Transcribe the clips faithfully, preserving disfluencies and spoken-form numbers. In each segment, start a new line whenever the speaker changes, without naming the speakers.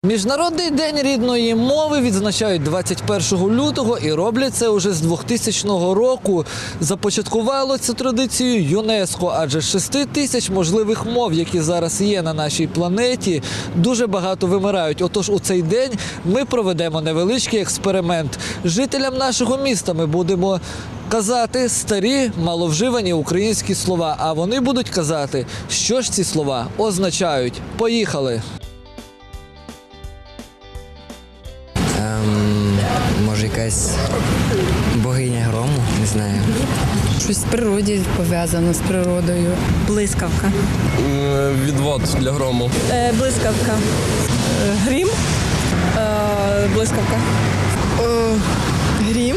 Міжнародний день рідної мови відзначають двадцять першого лютого і роблять це уже з двохтисячного року. Започаткувало цю традицію ЮНЕСКО, адже з шести тисяч можливих мов, які зараз є на нашій планеті, дуже багато вимирають. Отож у цей день ми проведемо невеличкий експеримент. Жителям нашого міста ми будемо казати старі, маловживані українські слова, а вони будуть казати, що ж ці слова означають. Поїхали!
Ем, може якась богиня грому, не знаю.
Щось з природі пов'язано з природою.
Блискавка.
Відвод для грому.
Е, блискавка. Е, грім. Е, блискавка.
О, грім.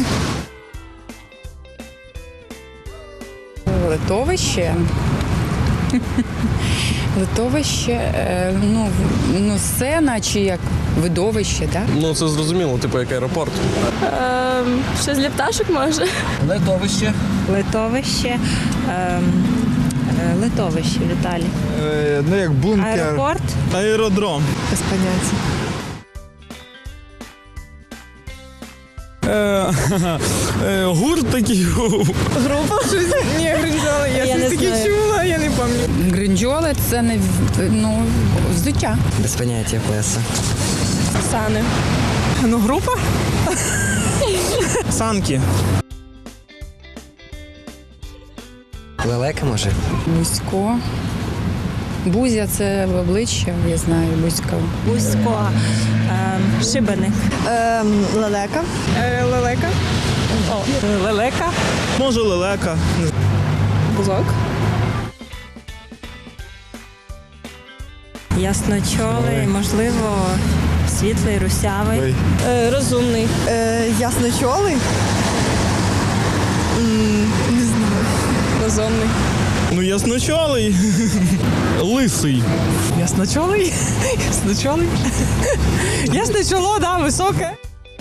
Литовище. Литовище, е, ну, ну, сцена чи як видовище, так?
Ну це зрозуміло, типу як аеропорт.
Е, щось для пташок може.
Литовище.
Литовище. Ем, е, Литовище, Віталій.
Е, ну як бункер.
Аеропорт.
Аеродром.
Без поняття.
Е, е, гурт такий.
Група щось? Ні, гринджоли. Я,
Я
щось
не
таке
знаю.
чула, я не пам'ятаю.
Гринджоли – це не в- ну, взуття.
Без поняття плеса.
Сани.
Ну, група?
Санки.
Лелека, може?
Бузько. Бузя – це в обличчя, я знаю, бузько.
Бузько. Ем, шибеник.
Ем, лелека.
Е, лелека.
О, лелека.
Може лелека.
Бузок.
Ясночолий, можливо, світлий, русявий.
Ой.
Е, розумний.
Е, ясночолий. М, не знаю.
Розумний.
Ну ясночолий. Лисий.
Ясночолий? Ясночолий? Ясне чоло, да, високе.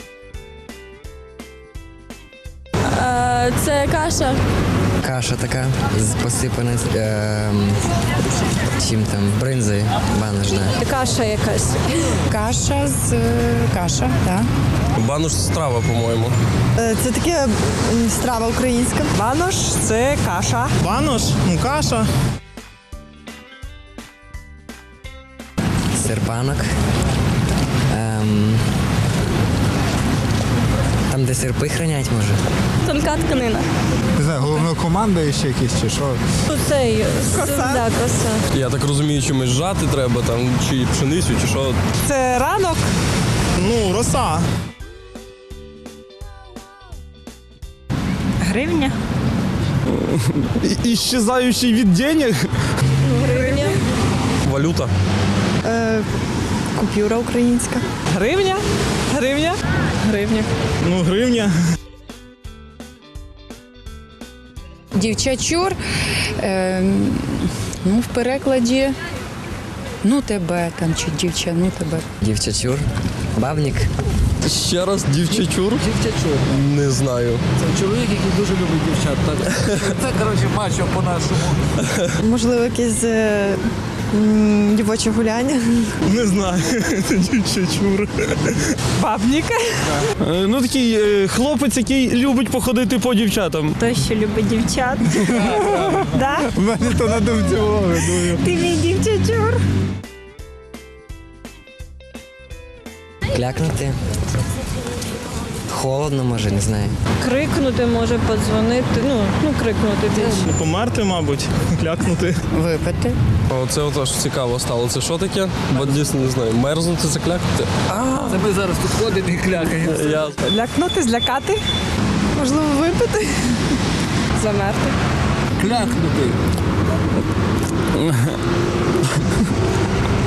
Е, це каша.
Каша така, з- посипана ем, чим там, бринзою, банош, да.
Каша якась.
Каша з е, каша, так.
Банош страва, по-моєму.
Е, це таке м, страва українська.
Банош – це каша.
Банош, ну каша.
Серпанок. Ем, там, де серпи хранять, може?
Тонка тканина.
Не знаю, головнокомандуючий якийсь чи що.
Цей.
Коса.
Да, коса.
Я так розумію, чимось жати треба, там, чи пшеницю, чи що.
Це ранок.
Ну, роса.
Гривня.
І- Іщезаючий від денег.
Гривня.
Валюта.
Е, купюра українська.
Гривня. Гривня.
Гривня.
Ну, гривня.
Дівчачур, е, ну, в перекладі, ну тебе там, чи дівча, ну тебе.
Дівчачур. Бабник.
Ще раз дівчачур?
Дівчачур.
Не знаю.
Це чоловік, який дуже любить дівчат. Так? Це, коротше, мачо по-нашому.
Можливо, якесь е, м, дівоче гуляння.
Не знаю. Дівчачур.
Бабник.
Е, Ну такий е, хлопець, який любить походити по дівчатам.
Той, що любить дівчат. Да?
У мене то на думці було, думаю.
Ти мій дівчачур.
Клякнути. Холодно, може, не знаю.
Крикнути може, подзвонити. Ну, ну крикнути більше.
Померти, мабуть, клякнути.
Випити.
Оце отож цікаво стало. Це що таке? Бо дійсно не знаю. Мерзнути, заклякати?
Це ми зараз тут ходимо і клякаємо.
Я...
Лякнути, злякати.
Можливо, випити.
Замерти.
Клякнути.